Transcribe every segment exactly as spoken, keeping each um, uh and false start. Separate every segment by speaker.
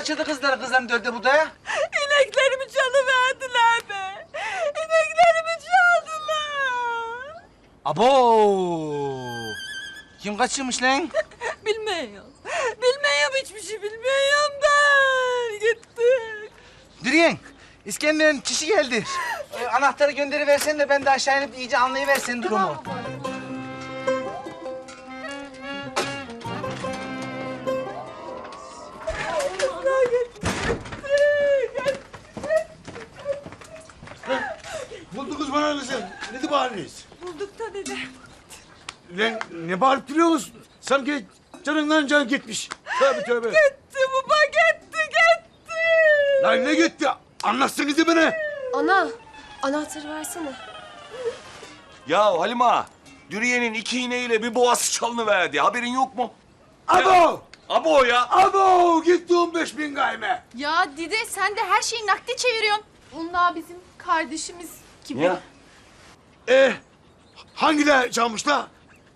Speaker 1: kaçırdı kızları, kızların dördü burada ya.
Speaker 2: İneklerimi çalıverdiler be. İneklerimi çaldılar.
Speaker 1: Abo! Kim kaçırmış lan?
Speaker 2: Bilmiyorum. Bilmiyorum, hiçbir şey bilmiyorum ben. Gittik.
Speaker 1: Dürüyen, İskender'in kişi geldi. Ee, anahtarı gönderiversen de ben de aşağı inip iyice anlayıversen durumu.
Speaker 3: Buldunuz bana ne sen? Ne bağırıyorsunuz?
Speaker 2: Bulduk da dede.
Speaker 3: Lan ne bağırıp duruyorsunuz? Sanki canından can gitmiş. Tövbe tövbe.
Speaker 2: Gitti baba, gitti, gitti.
Speaker 3: Lan ne gitti? Anlatsanıza bana.
Speaker 4: Ana, anahtarı versene.
Speaker 5: Ya Halima, Dürüye'nin iki iğneyle bir boğası çalınıverdi. Haberin yok mu?
Speaker 3: Abo!
Speaker 5: Abo ya.
Speaker 3: Abo! Gitti on beş bin gayme.
Speaker 4: Ya Dide sen de her şeyi nakde çeviriyorsun. Bunlar bizim kardeşimiz gibi.
Speaker 5: Ya.
Speaker 3: Ee, hangi de çalmışlar?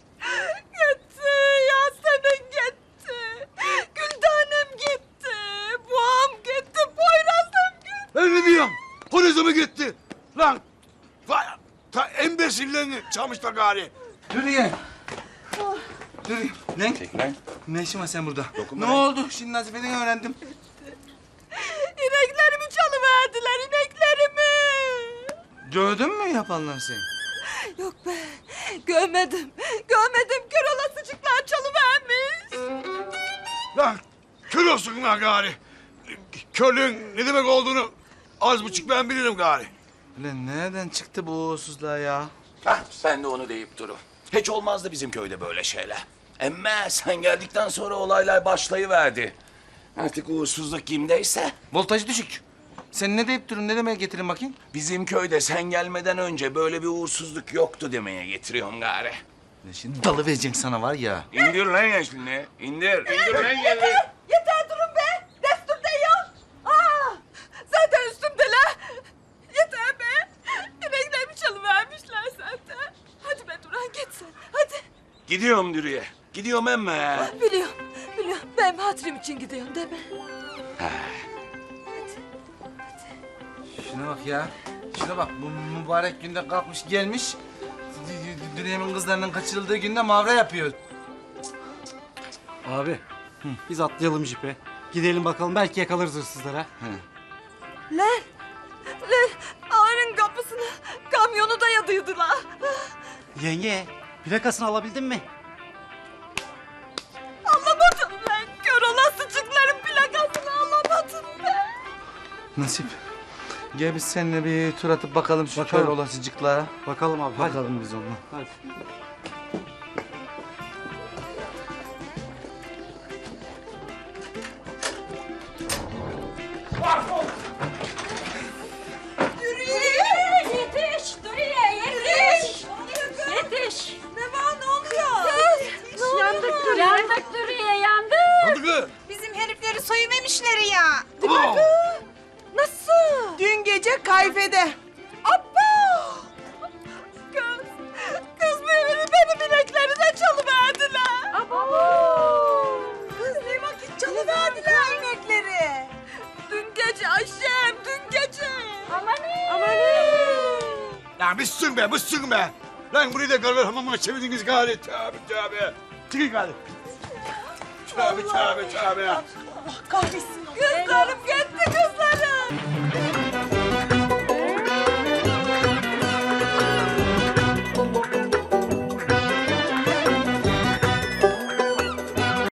Speaker 2: Gitti, Yasemin gitti. Güldanem gitti. Boğam gitti, Poyraz'ım gitti.
Speaker 3: Ben ne diyorum? Polise mi gitti? Lan! Vay! Ta embesillerini çalmışlar gari.
Speaker 1: Dürüyen. Dürüyen. Lan,
Speaker 5: Çek lan.
Speaker 1: ne işin var sen burada?
Speaker 5: Dokunma
Speaker 1: Ne
Speaker 5: lan.
Speaker 1: oldu? Şimdi Nazife'den öğrendim.
Speaker 2: İneklerimi çalıverdiler, ineklerimi.
Speaker 1: Gördün mü yapanlar seni?
Speaker 2: Yok be, görmedim. Görmedim, kör olasıcıklar çalıvermiş.
Speaker 3: Lan kör olsun lan gari. Körlüğün ne demek olduğunu az buçuk ben bilirim gari.
Speaker 1: Ulan nereden çıktı bu uğursuzluğa ya?
Speaker 5: Hah, sen de onu deyip duru. Hiç olmazdı bizim köyde böyle şeyler. Emme sen geldikten sonra olaylar başlayıverdi. Artık uğursuzluk kimdeyse.
Speaker 1: Voltajı düşük. Sen ne deyip durun? Ne demeye getirin bakayım?
Speaker 5: Bizim köyde sen gelmeden önce böyle bir uğursuzluk yoktu demeye getiriyorum gari.
Speaker 1: Ulan şimdi dalı vereceksin sana var ya.
Speaker 5: İndir lan yaşlını. İndir. İndir lan
Speaker 2: Yeter,
Speaker 5: geldi.
Speaker 2: yeter durun be. Destur değil. Aa, zaten üstümdeler. Yeter be. İneklerimi çalıvermişler zaten. Hadi be Duran, git sen. Hadi.
Speaker 5: Gidiyorum Dürüye. Gidiyorum emme.
Speaker 2: Biliyorum, biliyorum. Benim hatırım için gidiyorum değil mi?
Speaker 1: Şuna bak ya. Şuna bak. Bu mübarek günde kalkmış gelmiş. Dünyanın kızlarının kaçırıldığı günde mavra yapıyor.
Speaker 6: Abi, biz atlayalım jipe. Gidelim bakalım, belki yakalarız hırsızlara.
Speaker 2: Lan, lan ağanın kapısına kamyonu dayadıydılar.
Speaker 6: Yenge, plakasını alabildin mi?
Speaker 2: Anlamadım lan. Kör olasıcıkların plakasını anlamadım ben.
Speaker 1: Nasip. Gel biz seninle bir tur atıp bakalım şu
Speaker 6: Bakalım.
Speaker 1: kör olasıcıklara.
Speaker 6: Bakalım abi, hadi.
Speaker 1: Bakalım biz onunla.
Speaker 6: Hadi.
Speaker 2: Yetiş, Duriye, yetiş. Yetiş. Ne var, ne oluyor? Kız, ne
Speaker 4: Yandık
Speaker 2: oluyor?
Speaker 4: dur. Yandık Duriye, yandık.
Speaker 3: Hadi kız.
Speaker 7: Bizim herifleri soyuvermişler ya.
Speaker 3: Abo!
Speaker 2: Nasıl?
Speaker 7: Dün gece kayfede.
Speaker 2: Abba! Kız, kız benim, benim inekleri de çalıverdiler. Abo!
Speaker 7: Kız ne vakit çalıverdiler inekleri.
Speaker 2: Dün gece Ayşem, dün gece.
Speaker 4: Amanın.
Speaker 2: Amanın.
Speaker 3: Lan bıssın be, bıssın be. Lan burayı da karlar hamamına çevirdiniz gari. Tövbe tövbe. Çıkın gari. Tövbe tövbe tövbe.
Speaker 7: Kahve